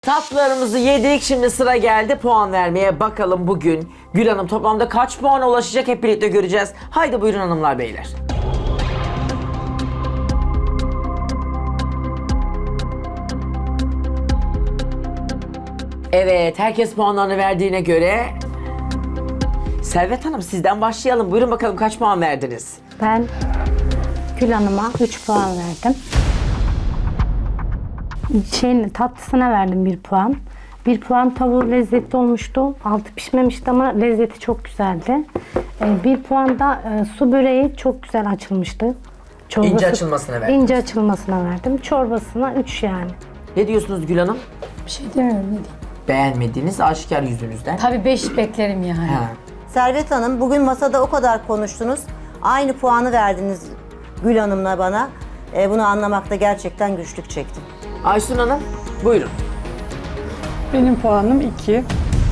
Tatlılarımızı yedik, şimdi sıra geldi puan vermeye. Bakalım bugün Gül Hanım toplamda kaç puana ulaşacak, hep birlikte göreceğiz. Haydi buyurun hanımlar beyler. Evet, herkes puanlarını verdiğine göre Servet Hanım sizden başlayalım. Buyurun bakalım, kaç puan verdiniz? Ben Gül Hanım'a 3 puan verdim. Tatlısına verdim 1 puan. 1 puan tavuğu lezzetli olmuştu. Altı pişmemişti ama lezzeti çok güzeldi. 1 puan da su böreği çok güzel açılmıştı. İnce açılmasına verdiniz. İnce açılmasına verdim. Çorbasına 3 yani. Ne diyorsunuz Gül Hanım? Bir şey demiyorum, ne diyeyim. Beğenmediğiniz aşikar yüzünüzden. Tabii 5 beklerim yani. Ha. Servet Hanım, bugün masada o kadar konuştunuz. Aynı puanı verdiniz Gül Hanım'la bana. Bunu anlamakta gerçekten güçlük çektim. Aysun Hanım buyurun. Benim puanım 2.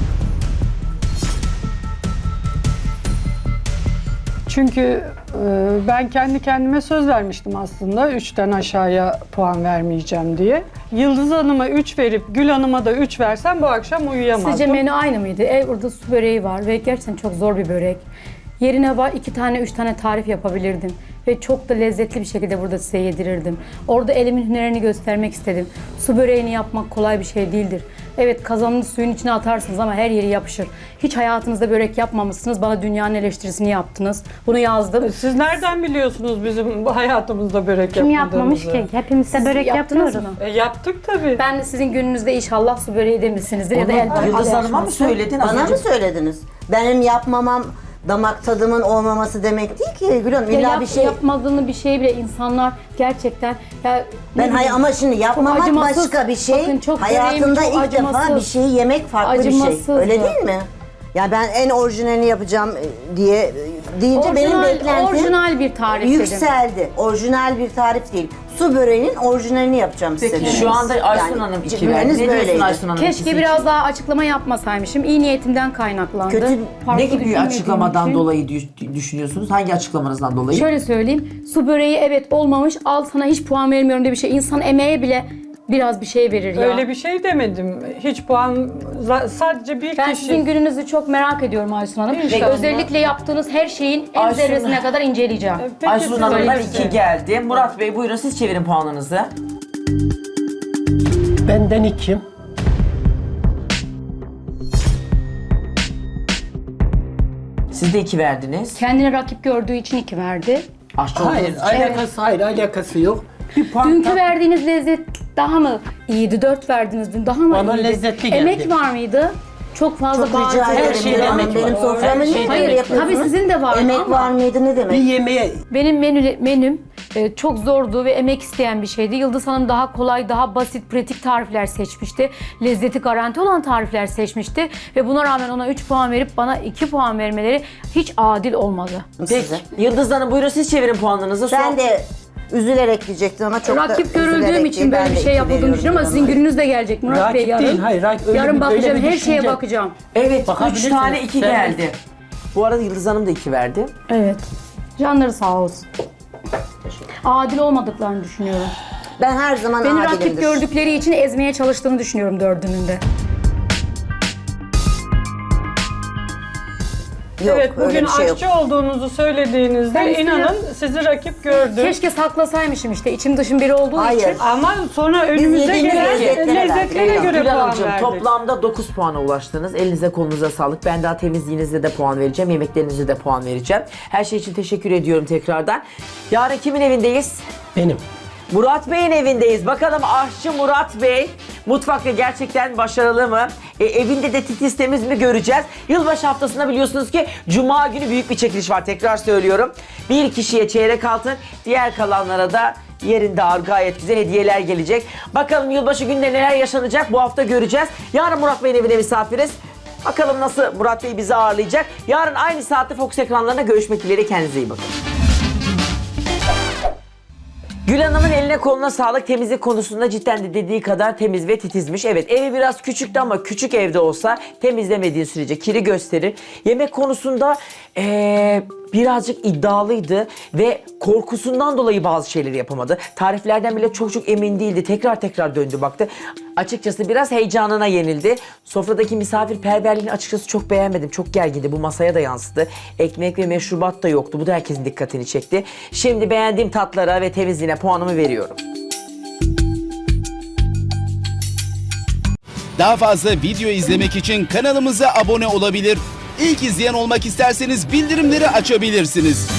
Çünkü ben kendi kendime söz vermiştim aslında 3'ten aşağıya puan vermeyeceğim diye. Yıldız Hanım'a 3 verip Gül Hanım'a da 3 versem bu akşam uyuyamazdım. Sizce menü aynı mıydı? Burada su böreği var ve gerçekten çok zor bir börek. Yerine 2 tane 3 tane tarif yapabilirdim. Ve çok da lezzetli bir şekilde burada size yedirirdim. Orada elimin hünerini göstermek istedim. Su böreğini yapmak kolay bir şey değildir. Evet, kazanını suyun içine atarsınız ama her yeri yapışır. Hiç hayatınızda börek yapmamışsınız. Bana dünyanın eleştirisini yaptınız. Bunu yazdım. Siz nereden biliyorsunuz bizim bu hayatımızda börek Kim yapmadığımızı? yapmamış ki? Hepimiz de börek yaptınız yapıyoruz. mı? Yaptık tabii. Ben de sizin gününüzde inşallah su böreği demişsinizdir ya da el Onu Yıldız Hanım'a mı açması. söyledin az Bana önce? mı söylediniz? Benim yapmamam damak tadımın olmaması demek değil ki Gül Hanım. Ya İlla bir şey... yapmadığını bir şey bile insanlar gerçekten ya Ben ama şimdi yapmamak acımasız. başka bir şey. Bakın çok Hayatımda böreğim çok ilk defa acımasız. bir şeyi yemek farklı bir şey. Acımasızdı. Öyle değil mi? Ya ben en orijinalini yapacağım diye deyince benim beklentim orijinal bir tarif dedim. yükseldi. Orijinal bir tarif değil. Su böreğinin orijinalini yapacağım size. Peki dedim. şu anda Aysun Hanım 2 verdi. cümleniz Ne diyorsun böyleydi. Aysun Hanım? Keşke İkisi biraz için. daha açıklama yapmasaymışım. İyi niyetimden kaynaklandı. Kötü- Farklı Ne gibi bir düşünmediğim açıklamadan için. dolayı düşünüyorsunuz? Hangi açıklamanızdan dolayı? Şöyle söyleyeyim. Su böreği evet olmamış. Al sana hiç puan vermiyorum diye bir şey. İnsan emeğe bile biraz bir şey verir ya. Öyle bir şey demedim. Hiç puan sadece bir Ben kişi. sizin gününüzü çok merak ediyorum Aysun Hanım. Ve İnşallah. özellikle yaptığınız her şeyin en Aysun- zerresine kadar inceleyeceğim. Peki Aysun siz Hanım'dan öyle 2 geldi. Murat Bey buyurun siz çevirin puanınızı. Benden 2. Siz de 2 verdiniz. Kendine rakip gördüğü için 2 verdi. Aşçı Hayır, olduğunuz için. alakası yok. Bir puan Dünkü verdiğiniz lezzet daha mı iyiydi? 4 verdiniz dün, daha mı Bana iyiydi? lezzetli geldi. Emek var mıydı? Çok fazla Çok rica baharat- ederim. şeyde Gül Hanım. emek Benim var. soframı Her niye şeyde böyle emek var. yapıyorsunuz? Tabii sizin de var Emek ama- var mıydı ne bir demek? yemeğe Benim menüm çok zordu ve emek isteyen bir şeydi. Yıldız Hanım daha kolay, daha basit, pratik tarifler seçmişti. Lezzeti garanti olan tarifler seçmişti. Ve buna rağmen ona 3 puan verip bana 2 puan vermeleri hiç adil olmadı. Peki Size. Yıldız Hanım buyurun siz çevirin puanınızı. Ben de üzülerek diyecektim ama çok da Rakip görüldüğüm üzülerek için değil. böyle Ben bir de şey iki yapıldığını veriyorum düşünüyorum ama Gül sizin Hanım'a. gününüz de gelecek Murat Bey rakip yarın. değil. Hayır, Yarın öyle bakacağım, bir her şeye düşünce. bakacağım. Evet 3 Bakabilirsiniz. tane 2 Sen- geldi. Bu arada Yıldız Hanım da 2 verdi. Evet. Canları sağ olsun. Adil olmadıklarını düşünüyorum. Ben her zaman Beni rakip adilimdir. gördükleri için ezmeye çalıştığını düşünüyorum dördünün de. Yok, Evet, öyle bugün bir şey yok. aşçı olduğunuzu söylediğinizde Ben inanın sizi rakip gördüm. Keşke saklasaymışım işte içim dışım biri olduğu Hayır. için. Ama sonra önümüze yediğimiz gelen lezzetlere lezzetlere verdik. göre Gül puan Hanımcığım verdik. toplamda 9 puana ulaştınız. Elinize kolunuza sağlık. Ben daha temizliğinize de puan vereceğim. Yemeklerinize de puan vereceğim. Her şey için teşekkür ediyorum tekrardan. Yarın kimin evindeyiz? benim. Murat Bey'in evindeyiz. Bakalım aşçı Murat Bey mutfakta gerçekten başarılı mı? Evinde de titiz temiz mi göreceğiz. Yılbaşı haftasında biliyorsunuz ki Cuma günü büyük bir çekiliş var. Tekrar söylüyorum. Bir kişiye çeyrek altın, diğer kalanlara da yerinde ağır gayet güzel hediyeler gelecek. Bakalım yılbaşı günde neler yaşanacak bu hafta göreceğiz. Yarın Murat Bey'in evine misafiriz. Bakalım nasıl Murat Bey bizi ağırlayacak. Yarın aynı saatte Fox ekranlarına görüşmek dileğiyle, kendinize iyi bakın. Gül Hanım'ın eline koluna sağlık. Temizlik konusunda cidden de dediği kadar temiz ve titizmiş. Evet, evi biraz küçüktü ama küçük evde olsa temizlemediğin sürece kiri gösterir. Yemek konusunda birazcık iddialıydı ve korkusundan dolayı bazı şeyleri yapamadı. Tariflerden bile çok emin değildi. Tekrar döndü baktı. Açıkçası biraz heyecanına yenildi. Sofradaki misafirperverliğini açıkçası çok beğenmedim. Çok gergindi. Bu masaya da yansıdı. Ekmek ve meşrubat da yoktu. Bu da herkesin dikkatini çekti. Şimdi beğendiğim tatlara ve temizliğine puanımı veriyorum. Daha fazla video izlemek için kanalımıza abone olabilir. İlk izleyen olmak isterseniz bildirimleri açabilirsiniz.